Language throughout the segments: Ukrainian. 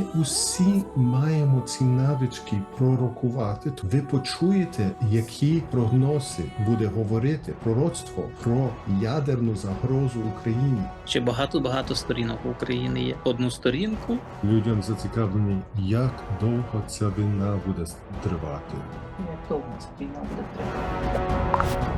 усі маємо ці навички пророкувати. Ви почуєте, які прогнози буде говорити пророцтво про ядерну загрозу Україні. Ще багато сторінок в Україні є. Одну сторінку. Людям зацікавлені, як довго ця війна буде тривати. Як довго ця війна буде тривати?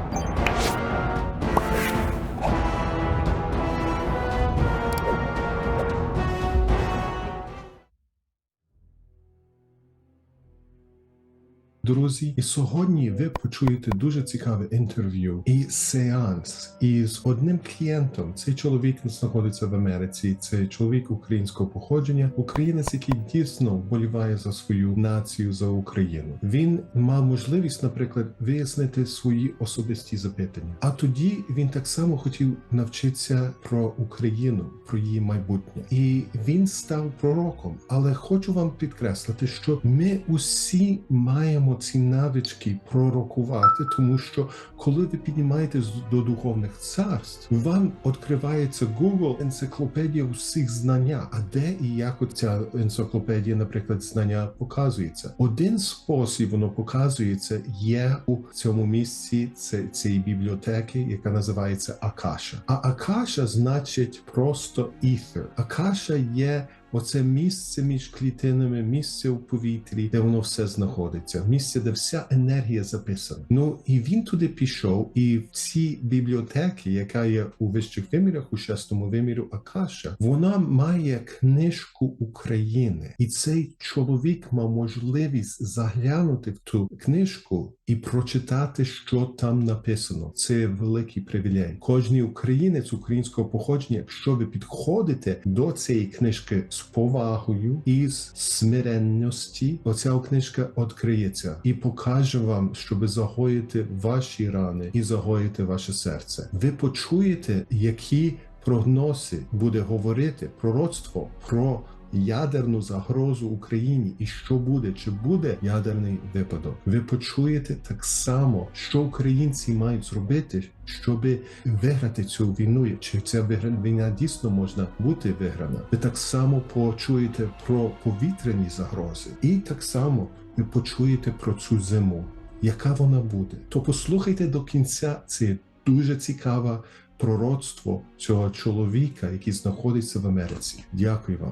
Друзі, і сьогодні ви почуєте дуже цікаве інтерв'ю і сеанс із одним клієнтом. Цей чоловік знаходиться в Америці, це чоловік українського походження, українець, який дійсно вболіває за свою націю, за Україну. Він мав можливість, наприклад, вияснити свої особисті запитання. А тоді він так само хотів навчитися про Україну, про її майбутнє. І він став пророком. Але хочу вам підкреслити, що ми усі маємо ці навички пророкувати, тому що коли ви піднімаєтесь до духовних царств, вам відкривається Google, енциклопедія усіх знання. А де і як ця енциклопедія, наприклад, знання показується? Один спосіб воно показується є у цьому місці цієї бібліотеки, яка називається Акаша. А Акаша значить просто ether. Акаша є оце місце між клітинами, місце у повітрі, де воно все знаходиться, місце, де вся енергія записана. Ну і він туди пішов, і в цій бібліотеки, яка є у вищих вимірах, у шестому вимірі Акаша, вона має книжку України. І цей чоловік мав можливість заглянути в ту книжку і прочитати, що там написано. Це великий привілей. Кожний українець українського походження, якщо ви підходите до цієї книжки з повагою і з смиренності, оця книжка відкриється і покаже вам, щоб загоїти ваші рани і загоїти ваше серце. Ви почуєте, які прогнози буде говорити пророцтво про ядерну загрозу Україні і що буде, чи буде ядерний випадок. Ви почуєте так само, що українці мають зробити, щоб виграти цю війну, чи ця війна дійсно можна бути виграна. Ви так само почуєте про повітряні загрози і так само ви почуєте про цю зиму, яка вона буде. То послухайте до кінця, це дуже цікаве пророцтво цього чоловіка, який знаходиться в Америці. Дякую вам.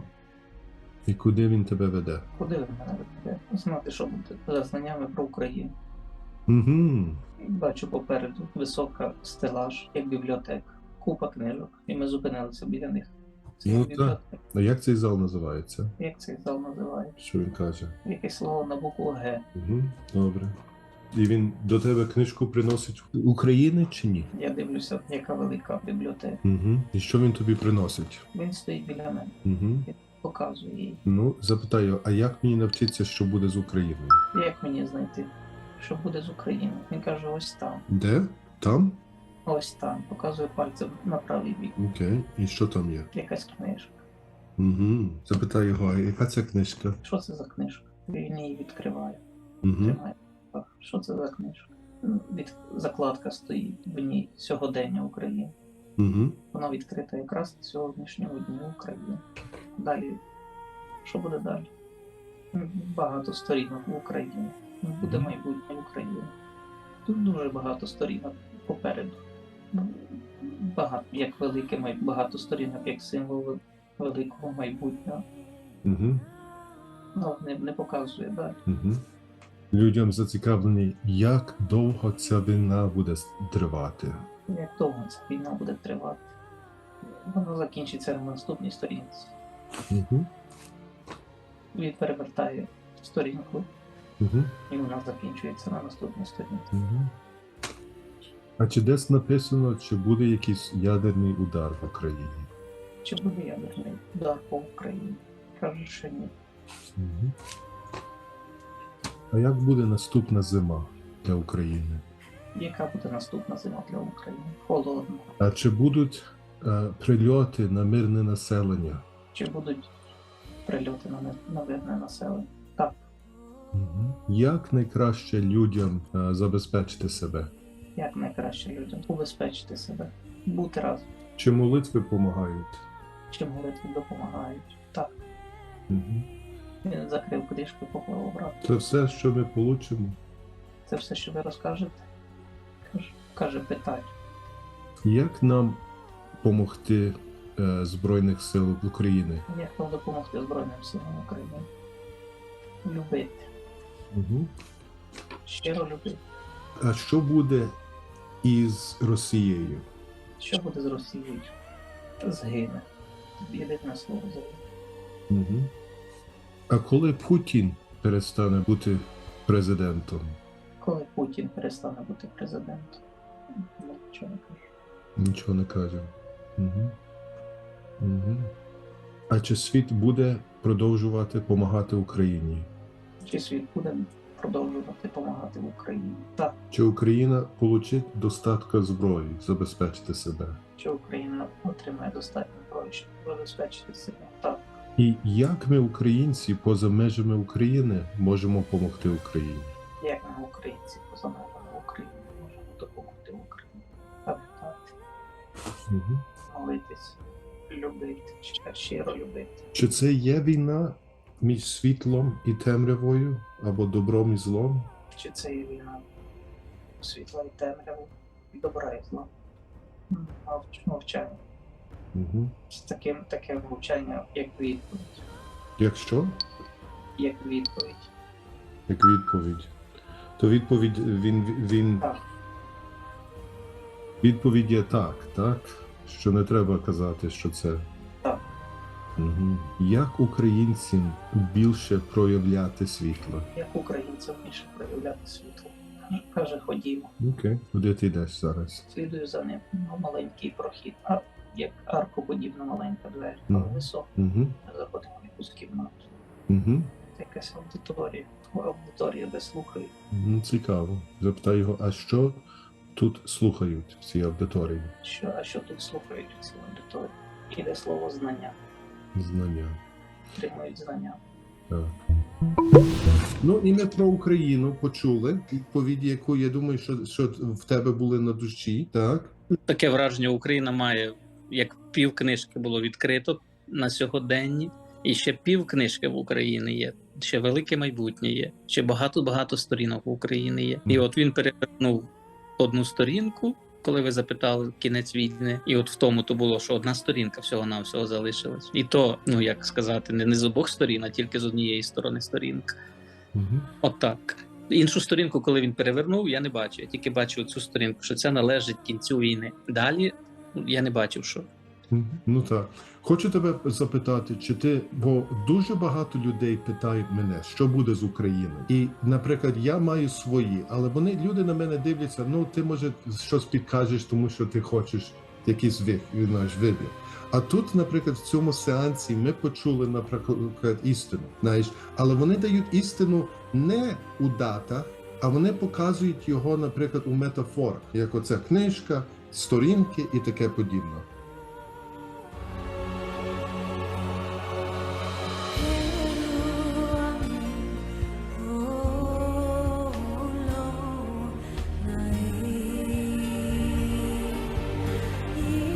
І куди він тебе веде? Куди ви мене ведете? Знати, що буде за знаннями про Україну. Угу. Бачу попереду висока стелаж, як бібліотека. Купа книжок. І ми зупинилися біля них. Це Ну бібліотека. так. А як цей зал називається? Як цей зал називає? Що він каже? Якесь слово на букву Г. Угу. Добре. І він до тебе книжку приносить України чи ні? Я дивлюся, яка велика бібліотека. Угу. І що він тобі приносить? Він стоїть біля мене. Угу. Показує їй. Ну, запитаю, а як мені навчитися, що буде з Україною? Як мені знайти, що буде з Україною? Він каже, ось там. Де? Там? Ось там. Показує пальцем на правий бік. Окей. І що там є? Якась книжка. Угу. Запитаю його, а яка ця книжка? Що це за книжка? Він її відкриває. Угу. Тримає. Що це за книжка? Закладка стоїть в ній сьогодення України. Угу. Вона відкрита якраз сьогоднішнього дня України. Далі, що буде далі? Багато сторінок в Україні. Буде майбутнє України. Тут дуже багато сторінок попереду. Багато, як велике, багато сторінок, як символ великого майбутнього. Угу. Ну, не показує далі. Угу. Людям зацікавлені, як довго ця війна буде тривати. Як довго ця війна буде тривати? Вона закінчиться на наступній сторінці. Угу. Він перевертає сторінку, Угу. і вона закінчується на наступній сторінці. Угу. А чи десь написано, чи буде якийсь ядерний удар в Україні? Чи буде ядерний удар по Україні? Каже, що ні. Угу. А як буде наступна зима для України? Яка буде наступна зима для України? Холодно. А чи будуть прильоти на мирне населення? Чи будуть прильоти на мирне населення? Так. Угу. Як найкраще людям забезпечити себе? Як найкраще людям убезпечити себе? Бути разом. Чи молитви допомагають? Чи молитви допомагають? Так. Угу. Він закрив книжку, поклав обратно. Це все, що ми получимо. Це все, що ви розкажете? Каже, питай. Як нам допомогти Збройних сил України? Як нам допомогти Збройним силам України? Любити. Угу. Щиро любити. А що буде із Росією? Що буде з Росією? Згине. Єдине слово згине. Угу. А коли Путін перестане бути президентом? Коли Путін перестане бути президентом? Нічого не кажу. Нічого не каже. Угу. Угу. А чи світ буде продовжувати допомагати Україні? Чи світ буде продовжувати допомагати в Україні? Так. Чи Україна получить достатньо зброї забезпечити себе? Чи Україна отримає достатньо зброї, щоб забезпечити себе? Так. І як ми, українці, поза межами України, можемо допомогти Україні? Як ми, українці, поза межами України, можемо допомогти Україні? Пам'ятати, Угу. молитись, любити, щиро любити. Чи це є війна між світлом і темрявою, або добром і злом? Чи це є війна світла і темряву, добра і зла? Мовчання. Угу. Таке мовчання, як відповідь. Якщо? Як відповідь. Як відповідь. То відповідь він Так. відповідь є так? Що не треба казати, що це. Так. Угу. Як українцям більше проявляти світло? Як українцям більше проявляти світло? Каже, ходімо. Окей. Куди ти йдеш зараз? Слідую за ним. Маленький прохід. Як аркоподібна маленька двері, але Мгм. висока. Угу. Заходимо в якусь кімнату. Угу. Це якась аудиторія, де слухають. Цікаво. Запитай його, а що тут слухають в цій аудиторії? А що тут слухають у цій аудиторії? Іде слово знання. Знання. Отримують знання. Так. Ну і ми про Україну почули відповіді, яку я думаю, що в тебе були на душі, так? Таке враження, Україна має, як пів книжки було відкрито на сьогоденні, і ще пів книжки в Україні є, ще велике майбутнє є, ще багато сторінок в Україні є. І от він перевернув одну сторінку, коли ви запитали кінець війни, і от в тому то було, що одна сторінка всього-навсього залишилась. І то, ну як сказати, не з обох сторін, а тільки з однієї сторони сторінка. Угу. Отак. Іншу сторінку, коли він перевернув, я не бачу. Я тільки бачу цю сторінку, що це належить кінцю війни. Далі я не бачив, що. Ну так. Хочу тебе запитати, чи ти, бо дуже багато людей питають мене, що буде з Україною. І, наприклад, я маю свої, але люди на мене дивляться, ну ти може щось підкажеш, тому що ти хочеш якийсь вибір. А тут, наприклад, в цьому сеансі ми почули, наприклад, істину, знаєш, але вони дають істину не у датах, а вони показують його, наприклад, у метафорах, як оця книжка, сторінки і таке подібне.